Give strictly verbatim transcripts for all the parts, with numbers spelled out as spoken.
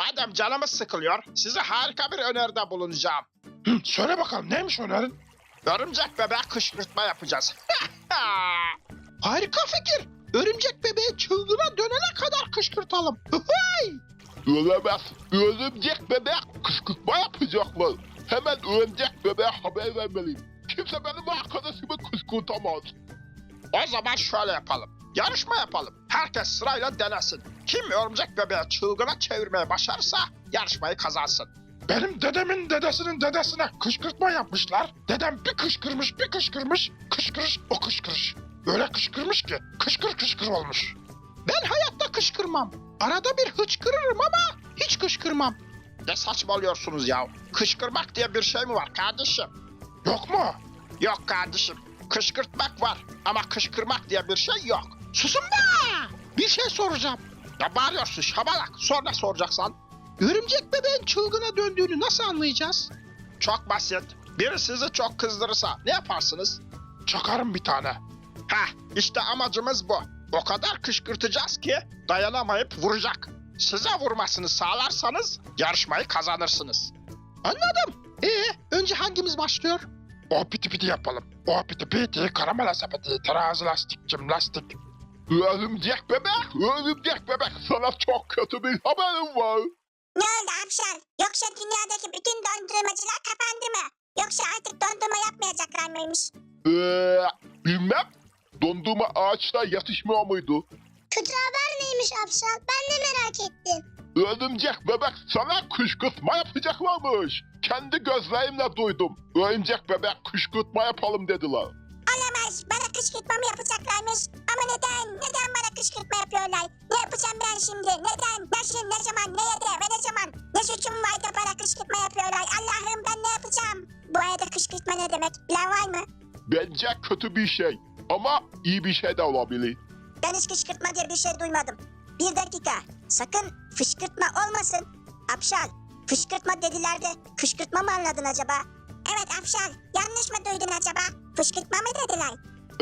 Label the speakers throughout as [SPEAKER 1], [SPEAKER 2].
[SPEAKER 1] Madem canımız sıkılıyor, size harika bir öneride bulunacağım.
[SPEAKER 2] Hı, söyle bakalım neymiş önerin?
[SPEAKER 1] Örümcek bebeğe kışkırtma yapacağız.
[SPEAKER 2] Harika fikir. Örümcek bebeği çılgına dönene kadar kışkırtalım.
[SPEAKER 3] Ölemez. Örümcek bebek kışkırtma yapacaklar. Hemen örümcek bebeğe haber vermeliyim. Kimse benim arkadaşımı kışkırtamaz.
[SPEAKER 1] O zaman şöyle yapalım. Yarışma yapalım. Herkes sırayla denesin. Kim örümcek bebeği çılgına çevirmeye başarırsa yarışmayı kazansın.
[SPEAKER 2] Benim dedemin dedesinin dedesine kışkırtma yapmışlar. Dedem bir kışkırmış bir kışkırmış. Kışkırış o kışkırış. Öyle kışkırmış ki kışkır kışkır olmuş. Ben hayatta kışkırmam. Arada bir hıçkırırım ama hiç kışkırmam.
[SPEAKER 1] Ne saçmalıyorsunuz ya? Kışkırmak diye bir şey mi var kardeşim?
[SPEAKER 2] Yok mu?
[SPEAKER 1] Yok kardeşim. Kışkırtmak var ama kışkırmak diye bir şey yok.
[SPEAKER 2] Susun be! Bir şey soracağım.
[SPEAKER 1] Ya bağırıyorsun şabalak. Sonra soracaksan.
[SPEAKER 2] Örümcek bebeğin çılgına döndüğünü nasıl anlayacağız?
[SPEAKER 1] Çok basit. Biri sizi çok kızdırırsa ne yaparsınız?
[SPEAKER 2] Çakarım bir tane.
[SPEAKER 1] Heh, işte amacımız bu. O kadar kışkırtacağız ki dayanamayıp vuracak. Size vurmasını sağlarsanız yarışmayı kazanırsınız.
[SPEAKER 2] Anladım. Ee, önce hangimiz başlıyor? O piti piti yapalım. O piti piti, karamela sepeti, terazi lastik, cim lastik.
[SPEAKER 3] Örümcek bebek, örümcek bebek sana çok kötü bir haberim var.
[SPEAKER 4] Ne oldu Apşal? Yoksa dünyadaki bütün dondurmacılar kapandı mı? Yoksa artık dondurma yapmayacaklar mıymış?
[SPEAKER 3] Ee, bilmem. Dondurma ağaçta yatışmıyor muydu?
[SPEAKER 4] Kötü haber neymiş Apşal? Ben de merak ettim.
[SPEAKER 3] Örümcek bebek sana kışkırtma yapacaklarmış. Kendi gözlerimle duydum. Örümcek bebek kışkırtma yapalım dediler.
[SPEAKER 4] Olamaz. Bana kışkırtma mı yapacaklarmış? Ama neden? Neden bana kışkırtma yapıyorlar? Ne yapacağım ben şimdi? Neden? Nasıl? Ne zaman? Ne yerde? Ve ne zaman? Ne suçum var da bana kışkırtma yapıyorlar? Allah'ım ben ne yapacağım? Bu arada kışkırtma ne demek? Bilen var mı?
[SPEAKER 3] Bence kötü bir şey. Ama iyi bir şey de olabilir.
[SPEAKER 4] Ben hiç kışkırtma diye bir şey duymadım. Bir dakika. Sakın fışkırtma olmasın. Apşal, fışkırtma dediler de kışkırtma mı anladın acaba? Evet Apşal, yanlış mı duydun acaba? Fışkırtma mı dediler?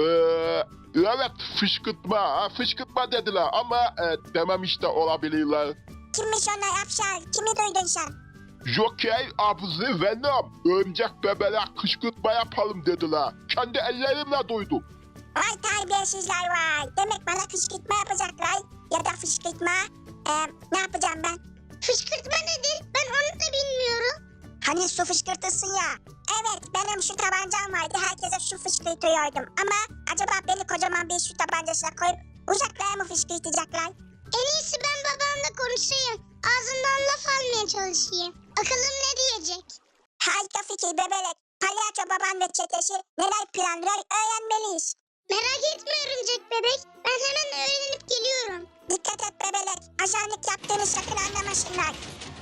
[SPEAKER 3] Ee, evet fışkırtma, ha, fışkırtma dediler ama e, dememiş de olabilirler.
[SPEAKER 4] Kimmiş onlar Apşal? Kimi duydun sen?
[SPEAKER 3] Joker, Abzi, Venom, örümcek bebeğe kışkırtma yapalım dediler. Kendi ellerimle duydum.
[SPEAKER 4] Vay terbiyesizler vay. Demek bana kışkırtma yapacaklar. Ya da fışkırtma. Ee, ne yapacağım ben? Fışkırtma nedir? Ben onu da bilmiyorum. Hani su fışkırtırsın ya. Evet benim şu tabancam vardı. Herkese su fışkırtıyordum. Ama acaba beni kocaman bir su tabancasına koyup uzaklara mı fışkırtacaklar? En iyisi ben babamla konuşayım. Ağzından laf almaya çalışayım. Bakalım ne diyecek? Harika fikir bebelek. Palyaço baban ve çetesi neler planlıyor öğrenmeliyiz. Merak etme örümcek bebek. Ben hemen öğrenip geliyorum. Dikkat et bebelek. Ajanlık yaptığını sakın anlamasınlar.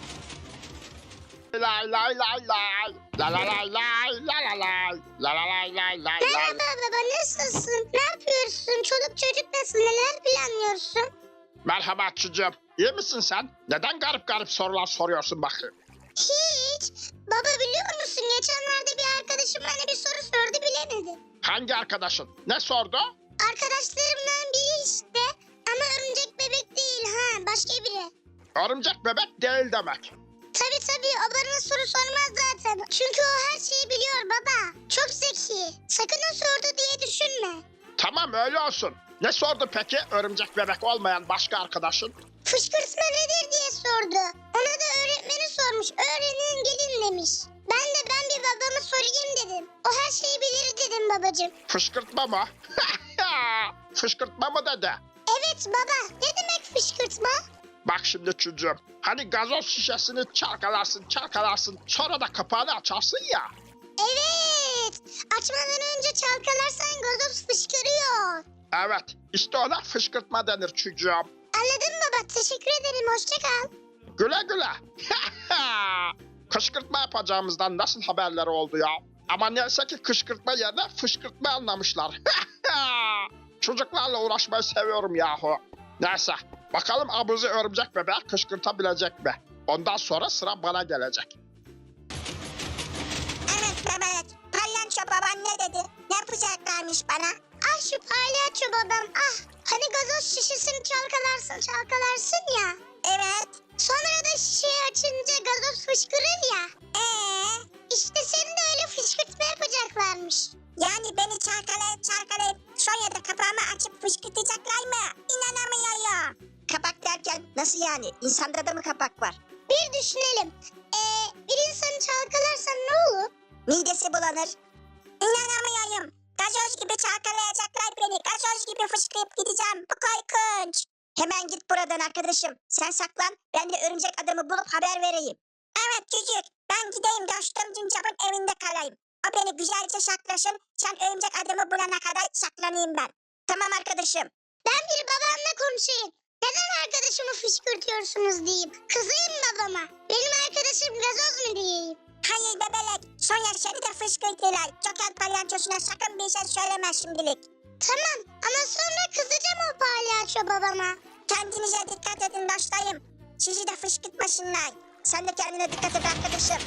[SPEAKER 1] Lay lay lay lay. La la lay lay la la lay. La la lay lay lay lay.
[SPEAKER 4] Merhaba baba nasılsın? Ne yapıyorsun? Çoluk çocuk nasıl? Neler planlıyorsun?
[SPEAKER 1] Merhaba çocuğum. İyi misin sen? Neden garip garip sorular soruyorsun bakayım?
[SPEAKER 4] Hiç. Baba biliyor musun? Geçenlerde bir arkadaşım bana bir soru sordu bilemedim.
[SPEAKER 1] Hangi arkadaşın? Ne sordu?
[SPEAKER 4] Arkadaşlarımdan biri işte. Ama örümcek bebek değil ha. Başka biri.
[SPEAKER 1] Örümcek bebek değil demek.
[SPEAKER 4] Tabii tabii o bana soru sormaz zaten. Çünkü o her şeyi biliyor baba. Çok zeki. Sakın o sordu diye düşünme.
[SPEAKER 1] Tamam öyle olsun. Ne sordu peki örümcek bebek olmayan başka arkadaşın?
[SPEAKER 4] Fışkırtma nedir diye sordu. Ona da öğretmeni sormuş. Öğrenin gelin demiş. Ben de ben bir babamı sorayım dedim. O her şeyi bilir dedim babacığım.
[SPEAKER 1] Fışkırtma mı? Fışkırtma mı dedi?
[SPEAKER 4] Evet baba ne demek fışkırtma?
[SPEAKER 1] Bak şimdi çocuğum. Hani gazoz şişesini çalkalarsın çalkalarsın sonra da kapağını açarsın ya.
[SPEAKER 4] Evet. Açmadan önce çalkalarsan gazoz fışkırıyor.
[SPEAKER 1] Evet işte ona fışkırtma denir çocuğum.
[SPEAKER 4] Anladın baba teşekkür ederim hoşça kal.
[SPEAKER 1] Güle güle. Kışkırtma yapacağımızdan nasıl haberleri oldu ya? Ama neyse ki kışkırtma yerine fışkırtma anlamışlar. Çocuklarla uğraşmayı seviyorum yahu. Neyse bakalım abuzi örümcek bebeği kışkırtabilecek mi? Ondan sonra sıra bana gelecek.
[SPEAKER 4] Evet bebek. Palyaço baban ne dedi? Ne yapacaklarmış bana? Ah şu palyaço babam ah. Hani gazoz şişesini çalkalarsın çalkalarsın ya. Evet. Sonra da şişeyi açınca gazoz fışkırır ya. Ee, işte seni de öyle fışkırtma yapacaklarmış. Yani beni çarkalayıp çarkalayıp sonra da kapağımı açıp fışkırtacaklar mı? İnanamıyorum. Kapak derken nasıl yani? İnsanda da mı kapak var? Bir düşünelim. Ee, bir insanı çalkalarsan ne olur? Midesi bulanır. İnanamıyorum. Gazoz gibi çalkalayacaklar beni. Gazoz gibi fışkırıp gideceğim. Bu korkunç. Hemen git buradan arkadaşım. Sen saklan. Ben de örümcek adamı bulup haber vereyim. Evet çocuk. Ben gideyim dostum Cincap'ın evinde kalayım. O beni güzelce saklasın. Sen örümcek adamı bulana kadar saklanayım ben. Tamam arkadaşım. Ben bir babamla konuşayım. Neden arkadaşımı fışkırtıyorsunuz diyeyim. Kızayım babama. Benim arkadaşım gazoz mu diyeyim. Hayır bebelek. Sonya seni de fışkırtırlar. Joker palyaçosuna sakın bir şey söyleme şimdilik. Tamam ama sonra kızacağım o palyaço babama. Kendinize dikkat edin dostlarım. Sizi de fışkırtmasınlar. Sen de kendine dikkat et arkadaşım.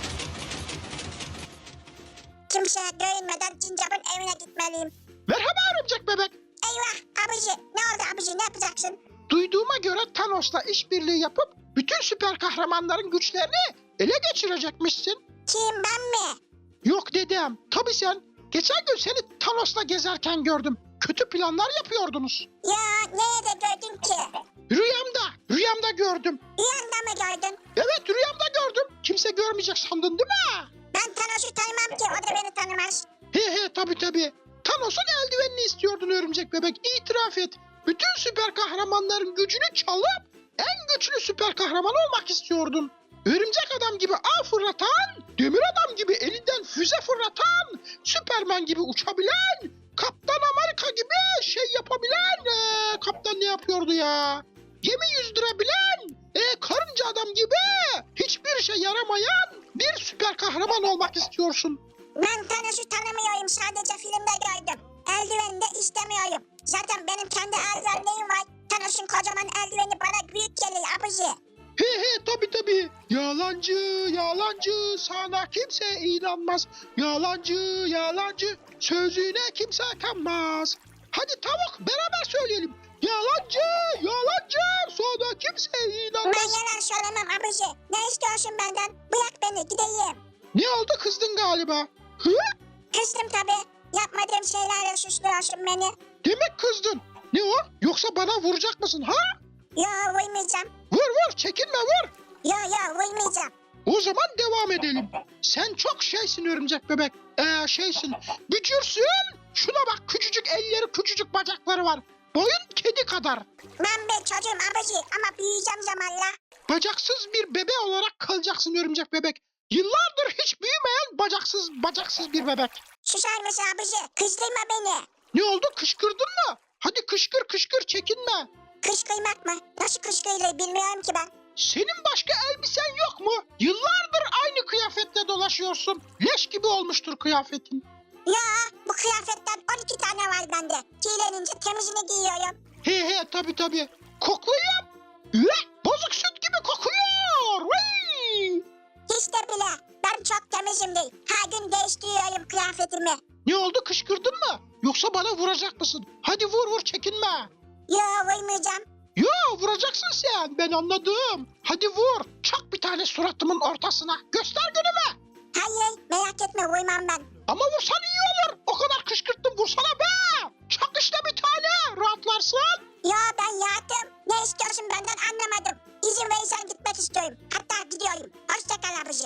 [SPEAKER 4] Kimseye görünmeden Cincap'ın evine gitmeliyim.
[SPEAKER 2] Merhaba örümcek bebek.
[SPEAKER 4] Eyvah abici. Ne oldu abici ne yapacaksın?
[SPEAKER 2] Duyduğuma göre Thanos'la işbirliği yapıp bütün süper kahramanların güçlerini ele geçirecekmişsin.
[SPEAKER 4] Kim ben mi?
[SPEAKER 2] Yok dedem. Tabii sen. Geçen gün seni Thanos'la gezerken gördüm. Kötü planlar yapıyordunuz.
[SPEAKER 4] Ya nerede gördün ki?
[SPEAKER 2] Rüyamda. Rüyamda gördüm.
[SPEAKER 4] Rüyanda mı gördün?
[SPEAKER 2] Evet rüyamda gördüm. Kimse görmeyecek sandın değil mi?
[SPEAKER 4] Ben Thanos'u tanımam ki o da beni tanımaz.
[SPEAKER 2] He he tabii tabii. Thanos'un eldivenini istiyordun örümcek bebek. İtiraf et. Bütün süper kahramanların gücünü çalıp en güçlü süper kahraman olmak istiyordun. Örümcek adam gibi ağ fırlatan, demir adam gibi elinden füze fırlatan, Süperman gibi uçabilen, Kaptan Amerika gibi şey yapabilen, ee, kaptan ne yapıyordu ya? Gemi yüzdürebilen, ee, karınca adam gibi hiçbir şey yaramayan bir süper kahraman olmak istiyorsun.
[SPEAKER 4] Ben Thanos'u tanımıyorum sadece filmde gördüm. Eldivenini de istemiyorum. Zaten benim kendi eldivenlerim var. Thanos'un kocaman eldiveni bana büyük geliyor abici.
[SPEAKER 2] He he tabi tabi. Yalancı yalancı sana kimse inanmaz. Yalancı yalancı sözüne kimse kanmaz. Hadi tavuk beraber söyleyelim. Yalancı yalancı sana kimse
[SPEAKER 4] Ben
[SPEAKER 2] inanmaz.
[SPEAKER 4] yalan söylemem abici. Ne istiyorsun benden? Bırak beni gideyim.
[SPEAKER 2] Ne oldu kızdın galiba? Hı?
[SPEAKER 4] Kızdım tabii. Yapmadığım şeylerle suçluyorsun beni.
[SPEAKER 2] Demek kızdın. Ne o? Yoksa bana vuracak mısın ha?
[SPEAKER 4] Yo vurmayacağım.
[SPEAKER 2] Vur vur çekinme vur.
[SPEAKER 4] Yo yo vurmayacağım.
[SPEAKER 2] O zaman devam edelim. Sen çok şeysin örümcek bebek. Ee şeysin. Bücürsün. Şuna bak küçücük elleri küçücük bacakları var. Boyun kedi kadar.
[SPEAKER 4] Ben bir çocuğum abici ama büyüyeceğim zamanla.
[SPEAKER 2] Bacaksız bir bebe olarak kalacaksın örümcek bebek. Yıllardır hiç büyümeyen bacaksız bacaksız bir bebek.
[SPEAKER 4] Susar mısın abici? Kızdırma beni.
[SPEAKER 2] Ne oldu kışkırdın mı? Hadi kışkır kışkır çekinme.
[SPEAKER 4] Kışkırmak mı? Nasıl kışkırılır bilmiyorum ki ben.
[SPEAKER 2] Senin başka elbisen yok mu? Yıllardır aynı kıyafetle dolaşıyorsun. Leş gibi olmuştur kıyafetin.
[SPEAKER 4] Ya bu kıyafetten on iki tane var bende. Kirlenince temizini giyiyorum.
[SPEAKER 2] He he tabi tabi. Koklayayım. Üh, bozuk süt gibi kokuyor. Vay!
[SPEAKER 4] Hiç de bile. Ben çok temizimdir. Her gün değiştiriyorum kıyafetimi.
[SPEAKER 2] Ne oldu kışkırdın mı? Yoksa bana vuracak mısın? Hadi vur vur çekinme.
[SPEAKER 4] Yo vurmayacağım.
[SPEAKER 2] Yo vuracaksın sen ben anladım. Hadi vur. Çak bir tane suratımın ortasına. Göster günümü.
[SPEAKER 4] Hayır merak etme vurmam ben.
[SPEAKER 2] Ama vursan iyi olur. O kadar kışkırttım vursana be. Çak işte bir tane. Rahatlarsın.
[SPEAKER 4] Yo ben yattım. Ne istiyorsun benden anlamadım. İzin verirsen gitmek istiyorum. Hatta gidiyorum. Hoşça kal abici.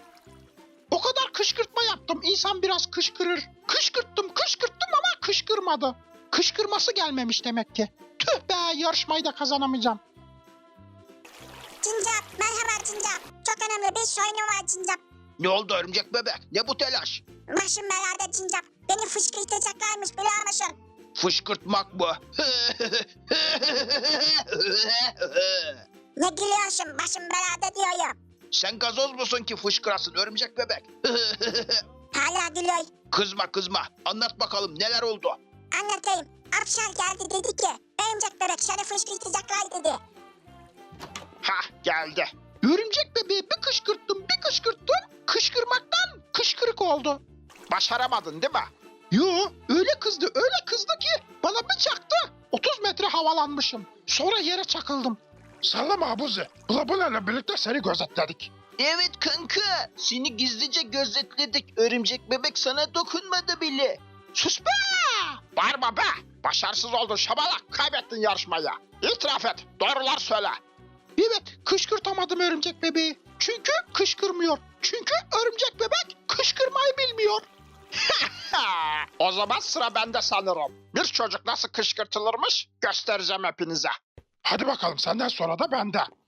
[SPEAKER 2] O kadar kışkırtma yaptım. İnsan biraz kışkırır. Kışkırttım kışkırttım ama kışkırmadı. Kışkırması gelmemiş demek ki. Tüh be yarışmayı da kazanamayacağım.
[SPEAKER 4] Cincap merhaba Cincap. Çok önemli bir sorunum var Cincap.
[SPEAKER 1] Ne oldu örümcek bebek? Ne bu telaş?
[SPEAKER 4] Başım belada Cincap. Beni fışkırtacaklarmış biliyor musun?
[SPEAKER 1] Fışkırtmak mı?
[SPEAKER 4] Ne gülüyorsun başım belada diyorum.
[SPEAKER 1] Sen gazoz musun ki fışkırasın örümcek bebek?
[SPEAKER 4] Hala gülüyor.
[SPEAKER 1] Kızma kızma. Anlat bakalım neler oldu?
[SPEAKER 4] Anlatayım. Apşal geldi dedi ki örümcek bebek seni fışkırtacaklar dedi.
[SPEAKER 1] Hah geldi.
[SPEAKER 2] Örümcek bebeği bir kışkırttım bir kışkırttım. Kışkırmaktan kışkırık oldu.
[SPEAKER 1] Başaramadın değil mi?
[SPEAKER 2] Yo öyle kızdı öyle kızdı ki bana bir çaktı. otuz metre havalanmışım. Sonra yere çakıldım. Sallama Abuzi. Bulabulayla birlikte seni gözetledik.
[SPEAKER 5] Evet kanka, seni gizlice gözetledik. Örümcek bebek sana dokunmadı bile.
[SPEAKER 1] Sus be! Bağırma be! Başarısız oldun şabalak. Kaybettin yarışmayı. İtiraf et. Doğrular söyle.
[SPEAKER 2] Evet, kışkırtamadım örümcek bebeği. Çünkü kışkırmıyor. Çünkü örümcek bebek kışkırmayı bilmiyor.
[SPEAKER 1] Ha, o zaman sıra bende sanırım. Bir çocuk nasıl kışkırtılırmış göstereceğim hepinize.
[SPEAKER 2] Hadi bakalım, senden sonra da bende.